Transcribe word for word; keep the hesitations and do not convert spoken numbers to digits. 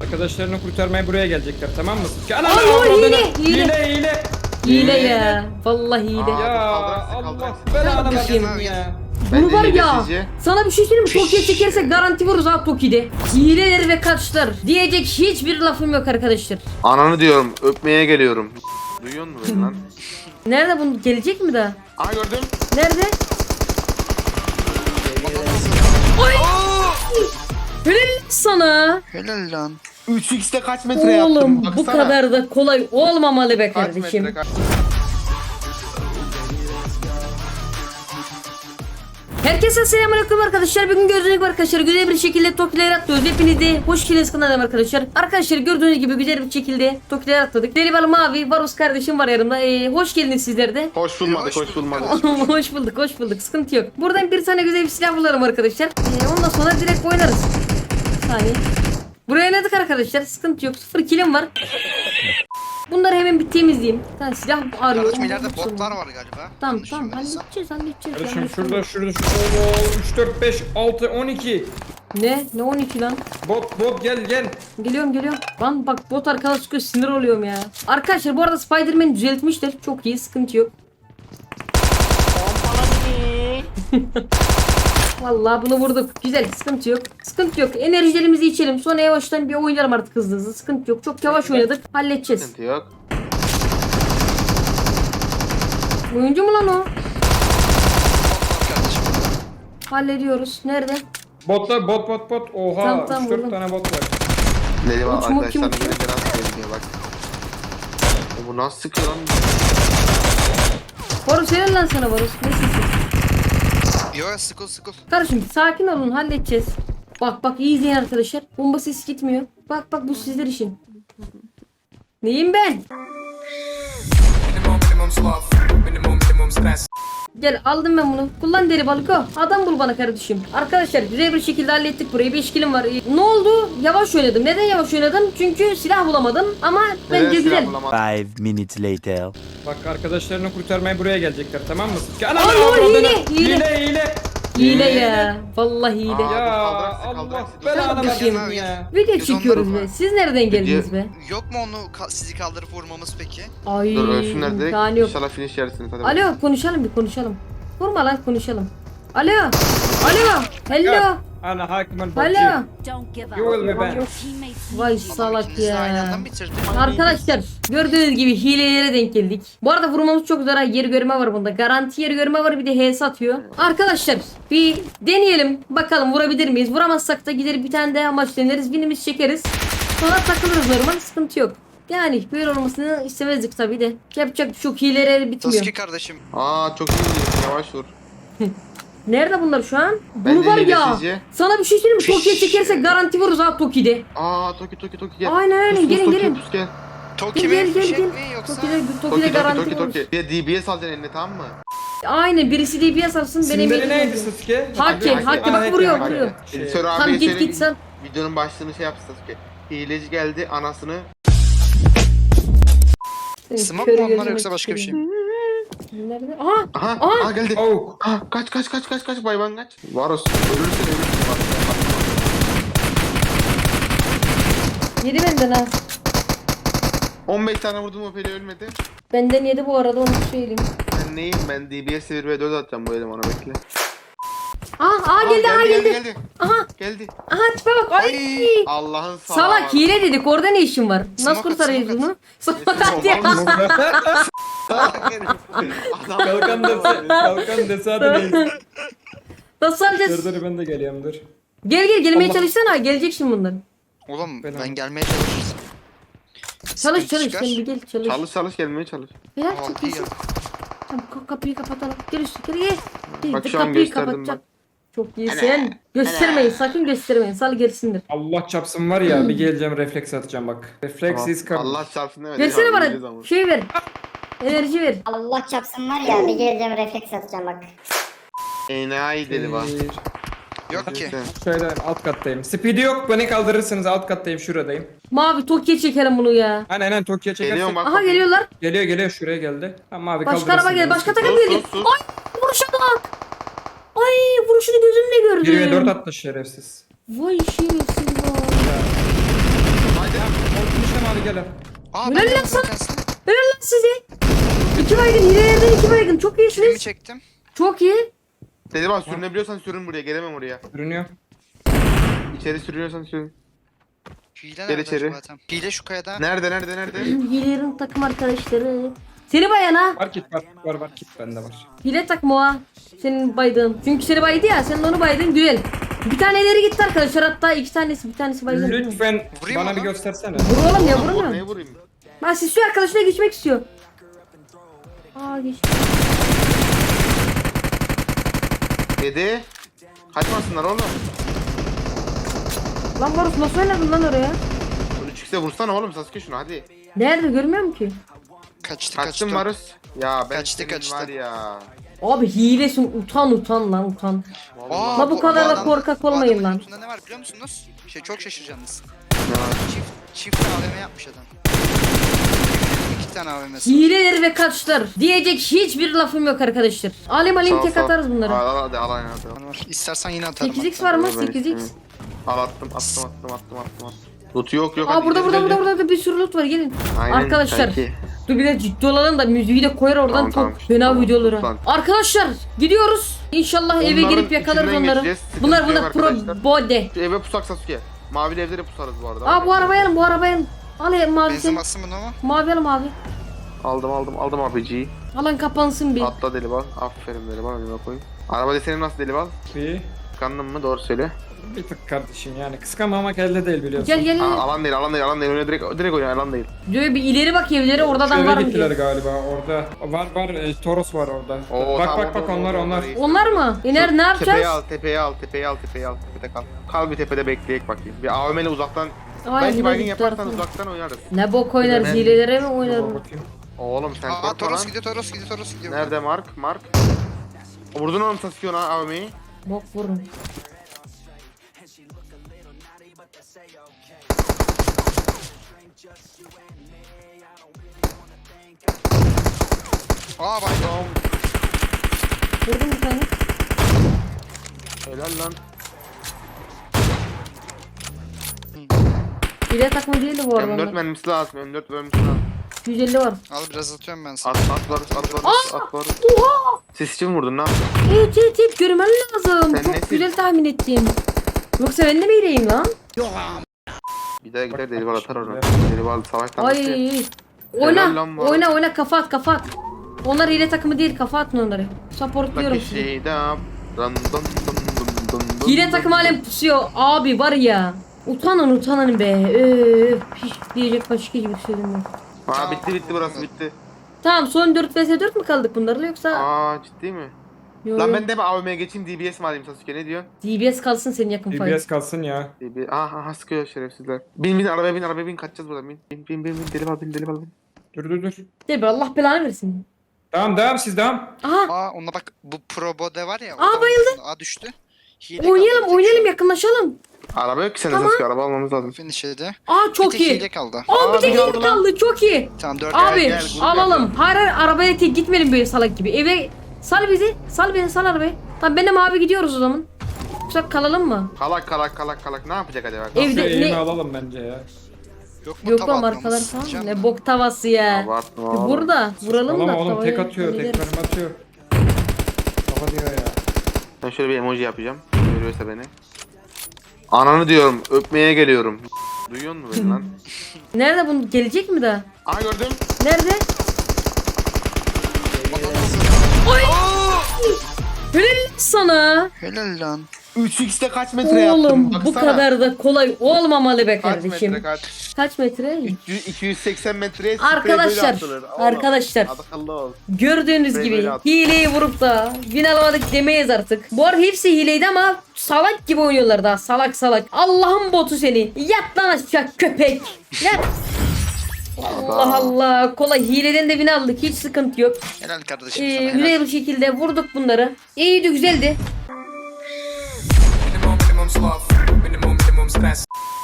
Arkadaşlarını kurtarmaya buraya gelecekler, tamam mı? Ana, Ay, ana, o hile, hile, hile. hile, hile. Hile ya. Vallahi hile. Aa. Ya kaldıraksın, Allah kaldıraksın. belanı Kardeşim. versin ya. Bunu Bence var hile ya. sizce? Sana bir şey söyleyeyim mi? Toki'ye çekersek garanti vururuz ha Toki'de. Hileler ve kaçlar. Diyecek hiçbir lafım yok arkadaşlar. Ananı diyorum, öpmeye geliyorum. Duyuyor musun beni lan? Nerede bunu gelecek mi daha? Aa gördüm. Nerede? Oy! Helal sana. Helal lan. üç x'te kaç metre yaptım? Oğlum Baksana. bu kadar da kolay olmamalı be Kaç kardeşim. metre kaç? Herkese selamünaleyküm arkadaşlar. Bugün gördüğünüz gibi arkadaşlar güzel bir şekilde Toki'ler atlıyoruz. Hepiniz de hoş geldiniz kanalıma arkadaşlar. Arkadaşlar gördüğünüz gibi güzel bir şekilde Toki'ler atladık. Deli mavi Varus kardeşim var yanımda. Ee, hoş geldiniz sizler de. Hoş bulmadık, hoş bulmadık. Hoş bulduk, hoş bulduk. Sıkıntı yok. Buradan bir tane güzel bir silah bulalım arkadaşlar. Ee, ondan sonra direkt oynarız. Bir saniye. Buraya oynadık arkadaşlar. Sıkıntı yok. Sıfır kilim var. Bunları hemen bir temizleyeyim. Bir tane silah arıyorum. Kardeşim ileride botlar var galiba. Tamam Yanlış tamam bilmiyorsam. halledeceğiz halledeceğiz. Kardeşim Yanlış şurada, yok. şurada, şurada. üç, dört, beş, altı, on iki. Ne? Ne on iki lan? Bot, bot gel, gel. Geliyorum geliyorum. Lan bak bot arkadaş çıkıyor sinir oluyorum ya. Arkadaşlar bu arada Spider-Man düzeltmişler. Çok iyi sıkıntı yok. Vallahi bunu vurduk. Güzel sıkıntı yok. Sıkıntı yok. Enerjilerimizi içelim. Sonra yavaştan bir oynarım artık hızlı hızlı. Sıkıntı yok. Çok yavaş oynadık. Halledeceğiz. Sıkıntı yok. Oyuncu mu lan o? Bot var kardeşim. Hallediyoruz. Nerede? Botlar, bot, bot, bot. Oha, Tamam, tamam, üç dört vurdum. tane bot var. Deli var Uçma, arkadaşlar, kim yine de nasıl geliyor bak. E bu nasıl sıkıyor lan? Varus helal lan sana Varus. Nesin? Yo sıkıl sıkıl. Kardeşim sakin olun halledeceğiz. Bak bak iyi izleyin arkadaşlar. Bomba sesi gitmiyor. Bak bak bu sizler için. Neyim ben? Gel aldım ben bunu. Kullan deri balık o. Adam bul bana kardeşim. Arkadaşlar güzel bir şekilde hallettik burayı. beş kilim var. Ee, Ne oldu? Yavaş oynadım. Neden yavaş oynadım? Çünkü silah bulamadım. Ama bence Neden güzel. silah bulamadım? Five minutes later. Bak arkadaşlarını kurtarmaya buraya gelecekler, tamam mı? Ana, Ay, ana, o avradını. hile, hile. Hile, hile. Hile ya. Vallahi hile. Aa. Ya kaldıraksın, Allah kaldıraksın. belanı Kardeşim. versin ya. Video Biz çekiyoruz onları- be. Siz nereden geldiniz be? Yok mu onu ka- sizi kaldırıp vurmamız peki? Ay. Dur ölsünler direkt. imkanı yok. İnşallah finish yersiniz. Hadi. Alo konuşalım bir konuşalım. Vurma lan konuşalım. Alo. Alo. Hello. Ana hakimin botçu. Alo. Don't give up. You will be back. Your teammates Vay need you. salak İkiniz de aynı anda ya. mı bitirdin? Arkadaşlar gördüğünüz gibi hilelere denk geldik. Bu arada vurmamız çok zor ha. Yer görme var bunda. Garanti yer görme var, bir de H S atıyor. Arkadaşlar bir deneyelim. Bakalım vurabilir miyiz? Vuramazsak da gider bir tane daha maç deneriz. Winimizi çekeriz. Sonra takılırız normal. Sıkıntı yok. Yani böyle olmasını istemezdik tabii de. Yapacak çok hileleri bitmiyor. Toski kardeşim. Aa çok iyi gidiyorsun, yavaş vur. Nerede bunlar şu an? Ben Bunu de var hile ya. sizce? Sana bir şey söyleyeyim mi? Toki'ye çekersek garanti vururuz ha Toki'de. Aa Toki Toki Toki gel. Aynen öyle, Tus, tus, gelin, Toki, gelin. tus, gel. Toki Gel mi? gel gel Fişek gel. mi yoksa? Toki'de Toki Toki'de Toki garanti Toki vururuz. Toki. Bir de D B S alacaksın eline, tamam mı? Aynen birisi D B S alsın benim İsimleri neydi Sasuke? Hakke, Hadi, Hakke hadi, bak vuruyor hadi. vuruyor. Şey, Editör Tam abiye git söyle, git sen. videonun başlığını şey yap Sasuke. Hileci geldi, anasını. Smoke Körü mu onlar gözüme yoksa başka bir şey mi? Nerede? Aha! Aha, Aa! aha geldi. Oh. Aha, kaç kaç kaç kaç kaç bayban kaç. Varus ölürsün ölürsün. Bak, Yedi benden ha. on beş tane vurdum, o peli ölmedi. Benden yedi bu arada onu söyleyeyim. Ben neyim, ben D B S bir ve dört atacağım bu elemana, bekle. Aa, aa geldi, aa geldi. geldi. Aha, Geldi. aha tipe bak. Ay. Ay. Allah'ın sağ. Salak hile dedik. Orada ne işin var? Nasıl Smoke at, kurtarıyoruz smoke bunu? Salak ya. Kalkan dese, kalkan dese hadi neyse. Nasıl alacağız? Dur dur ben de geliyorum dur. Gel gel gelmeye Allah. çalışsana. Gelecek şimdi bunlar. Oğlum Ben ben, abi. gelmeye çalışırsın. Çalış Sıkıntı çalış çıkar. sen bir gel çalış. Çalış çalış gelmeye çalış. Ya Aa, çok iyi iyisin. ya. Tamam ka- kapıyı kapatalım. Gel üstü gel gel. Gel, Bak de şu an kapıyı gösterdim kapatacak. bak. Çok iyisin. Göstermeyin sakın göstermeyin. Sal gelsinler. Allah çapsın var ya, bir geleceğim refleks atacağım bak. Refleks is coming. Allah çarpsın demedi. Versene Ya, bileceğiz bana ama. şey ver. Enerji ver. Allah çapsın var ya bir geleceğim refleks atacağım bak. Enayi deli bak. Bir, Yok ki. Şöyle alt kattayım. Speed'i yok, beni kaldırırsınız, alt kattayım, şuradayım. Mavi Toki'ye çekelim bunu ya. Aynen aynen Tokyo'ya çekersek. Geliyorum bak. Aha geliyorlar. Geliyor geliyor şuraya geldi. Tamam abi Başka kaldırırsın. araba gel. beni. Başka takım Sus, geliyor. sus, sus. Ay vuruşa bak. Ay vuruşunu gözümle bir ve dört gördüm. attı şerefsiz. Vay şerefsiz vay. Konuştum abi gel. Aa Helal ben de lan sana. Furkan. Helal lan size. İki baygın hilelerden iki baygın. Çok Filmi iyisiniz. çektim. Çok iyi. Dedi bak sürünebiliyorsan sürün buraya. Gelemem oraya. Görünüyor. İçeri sürünüyorsan sürün. Hile Gel nerede içeri. acaba tam? Hile şu kayada. Nerede nerede nerede? Hilelerin takım arkadaşları. Seni bayan ha. Var kit var. Var var kit bende var. Hile takma o ha. Senin baydığın. Çünkü seni baydı ya. Sen de onu baydın. Güzel. Bir tane ileri gitti arkadaşlar. Hatta iki tanesi. Bir tanesi baygın. Lütfen Vurayım bana mı bir lan? göstersene. Vur oğlum ya Oğlum, vurmuyor. neye vurayım? Ben istiyor arkadaşına geçmek istiyor. Aa geç. Dedi. Kaçmasınlar oğlum. Lan Barus nasıl oynadın lan oraya? Bunu çıksa vursana oğlum Sasuke şunu hadi. Nerede görmüyorum ki. Kaçtı Kaçtın kaçtı. Marus. Ya ben Kaçtı, senin kaçtı. var ya. Abi hilesin utan utan lan utan. Vallahi. La bu kadar da adam- korkak bu adamın olmayın lan. lootunda ne var biliyor musunuz? Şey çok şaşıracaksınız. Ya. Çift, çift A V M yapmış adam. İki tane A V M'si var. Hileler ve kaçlar. Diyecek hiçbir lafım yok arkadaşlar. Alim alim Sağ, tek sağ. atarız bunları. Al al hadi al aynen hadi. Var. İstersen yine atarım. sekiz x hatta. var mı? Ben sekiz x. istemiyorum. Al attım attım attım attım attım attım. Loot yok yok. Aa hadi burada gidelim, burada burada gidelim. burada bir sürü loot var gelin. Aynen, Arkadaşlar. sanki. Dur bir de ciddi olalım da müziği de koyar oradan Tamam, çok tamam. fena Tamam, videoları. lan. Arkadaşlar gidiyoruz. İnşallah eve Onların girip yakalarız içinden onları. geçeceğiz. Sıkıntı Bunlar yok bunlar pro arkadaşlar. bode. Şu eve pusak Sasuke. Mavi evlere pusarız bu arada. Aa bu arabaya alın bu arabaya alın. Al ya mavi Benzin sen. bassın bunu mu? Mavi alın mavi. Aldım aldım aldım abiciyi. Alın kapansın bir. Atla deli bal. Aferin deli bal. Önüme koyayım. Araba deseni nasıl deli bal? Bir, Tıkandın mı? Doğru söyle. bir tık kardeşim yani. Kıskanmamak elde değil biliyorsun. Gel gel Aa, gel. alan değil alan değil alan değil. Öyle direkt, direkt oynuyor alan değil. Diyor bir ileri bak evlere orada adam Eve var mı gittiler diyor. galiba orada. Var var e, Toros var orada. Oo, bak tamam, bak bak orada, onlar orada, onlar. orada iyi. Onlar mı? İner ne Tepeye yapacağız? al tepeye al tepeye al tepeye al tepede kal. Kal bir tepede bekleyek bakayım. Bir A V M'le uzaktan. Ay, belki yine baygın gitti yaparsan arkadaş. uzaktan oynarız. Ne bok oynarız Ben- hilelere mi Dur oynarız? bakayım. Oğlum sen Aa korkma Toros lan. gidiyor Toros gidiyor Toros gidiyor. Nerede Mark? Mark. Vurdun oğlum Sasuke ona A V M'yi. Bok vurun. Aa bak. Vurdum bir tane. Helal lan. Hile takma değildi bu M dört arada. mermisi lazım. M dört mermisi lazım. yüz elli var. Al biraz atıyorum ben sana. At at varız at varız at varız. Oha! Siz için mi vurdun lan? Evet evet evet görmen lazım. Sen Çok nesin? güzel tahmin ettim. Yoksa ben de mi hileyim lan? Bir daha gider deli bal atar onu. Bak, Deli bal savaştan Ay. bitti. Oyna. Helal lan bu Oyna arada. oyna kafa at kafa at. Onlar hile takımı değil kafa atın onları. Bak Supportluyorum bir sizi. şey daha. Dın dın dın dın dın dın Hile dın takım dın. halen pusuyor. Abi var ya. Utanın utanın be. Öf. Hiç diyecek başka gibi söyledim yok. Aa bitti bitti burası bitti. Tamam son dört vs dört mü kaldık bunlarla yoksa? Aa ciddi mi? Yo, Lan yo. ben de mi A V M'ye geçeyim D B S mi alayım Sasuke ne diyorsun? D B S kalsın senin yakın D fight. B S kalsın ya. D B aha aha sıkıyor şerefsizler. Bin bin arabaya bin arabaya bin kaçacağız buradan bin. Bin bin bin bin deli bal bin deli bal bin. Dur dur dur. Değil mi? Allah belanı versin. Tamam devam siz devam. Aha Aa ona bak bu Pro Bode var ya. Aa, oradan bayıldı. vursun. Aa düştü. Hile oynayalım kaldı bir tek oynayalım şu yakınlaşalım. Araba yok ki sende Tamam. Sasuke araba almamız lazım. an. Finish yedi. Aa çok bir tek iyi. hile kaldı. Aa bir Aa, tek bir hile aldı lan. kaldı çok iyi. Tamam dört Abi gel, grup alalım. Hayır hayır arabaya tek gitmeyelim böyle salak gibi. Eve sal bizi. Sal beni sal arabayı. Tamam benim abi gidiyoruz o zaman. Yoksa kalalım mı? Kalak kalak kalak kalak ne yapacak acaba? Evde Şu eğimi ne? alalım bence ya. Yok mu Yok tava lan atmamız? arkalar falan. Diyeceğim Ne de. bok tavası ya. Abartma Bir oğlum. Burada vuralım da Oğlum oğlum tavayı tek atıyor tek hallederiz. mermi atıyor. Kafa diyor ya. Ben şöyle bir emoji yapacağım. Görüyorsa beni. Ananı diyorum öpmeye geliyorum. Duyuyor musun beni lan? Nerede bunu gelecek mi daha? Aha gördüm. Nerede? Ay! Helal sana. Helal lan. üç x'te kaç metre yaptım? Oğlum bu Baksana. kadar da kolay olmamalı be Kaç kardeşim. metre kaç? Kaç metre? üç yüz, iki yüz seksen metreye sprey Arkadaşlar, böyle atılır. Oğlum, arkadaşlar. akıllı ol. Gördüğünüz Böyle gibi böyle at. hileyi vurup da win alamadık demeyiz artık. Bu arada hepsi hileydi ama salak gibi oynuyorlar daha salak salak. Allah'ın botu seni. Yat lan aşağı köpek. Yat. Allah Allah. Kolay hileden de win aldık. Hiç sıkıntı yok. Helal kardeşim Ee, sana helal. güzel bir şekilde vurduk bunları. İyiydi güzeldi. Minimum, minimum sloth.